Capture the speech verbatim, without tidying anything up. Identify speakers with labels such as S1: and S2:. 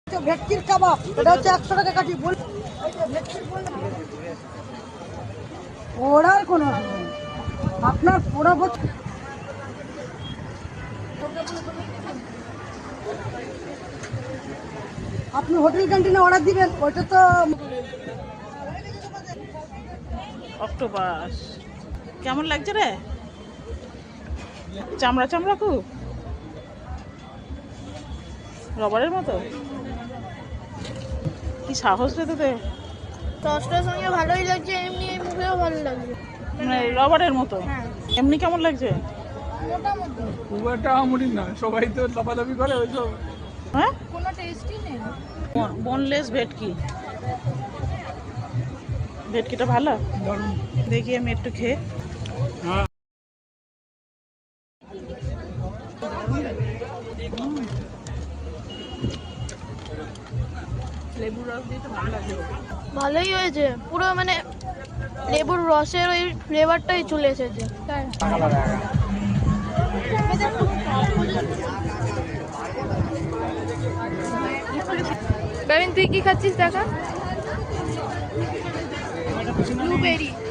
S1: ভেটকির কাবাব, এটা হচ্ছে একশো টাকা কাটি। ওড়ার কোনো আপনার পোড়া আপনি হোটেল ক্যান্টিনে অর্ডার দিবেন, ওইটা তো
S2: অক্টোপাস কেমন লাগছে রে? চামড়া চামড়া খুব রবারের মতো। কি সাহস রে তোদের!
S3: টসটার সঙ্গে ভালোই লাগছে, এমনি মুখেও ভালো লাগছে,
S2: মানে রবারের মতো।
S3: হ্যাঁ
S2: এমনি কেমন লাগছে?
S3: মোটামুটি
S4: খুব একটা আমুড়ি না, সবাই তো লাফালাফি করে ওইসব।
S2: হ্যাঁ,
S3: কোনো টেস্টই নেই।
S2: বোনলেস ভেটকি। ভেটকিটা ভালো,
S4: দারুণ।
S2: দেখি আমি একটু খেয়ে।
S4: হ্যাঁ,
S2: লেবুর রস দিয়ে তো ভালো লাগে।
S3: ভালোই হয়েছে, পুরো মানে লেবুর রসের ওই ফ্লেভারটাই চলে এসেছে। তাই বেবিন, তুই কি খাচ্ছিস দেখা? ব্লুবেরি।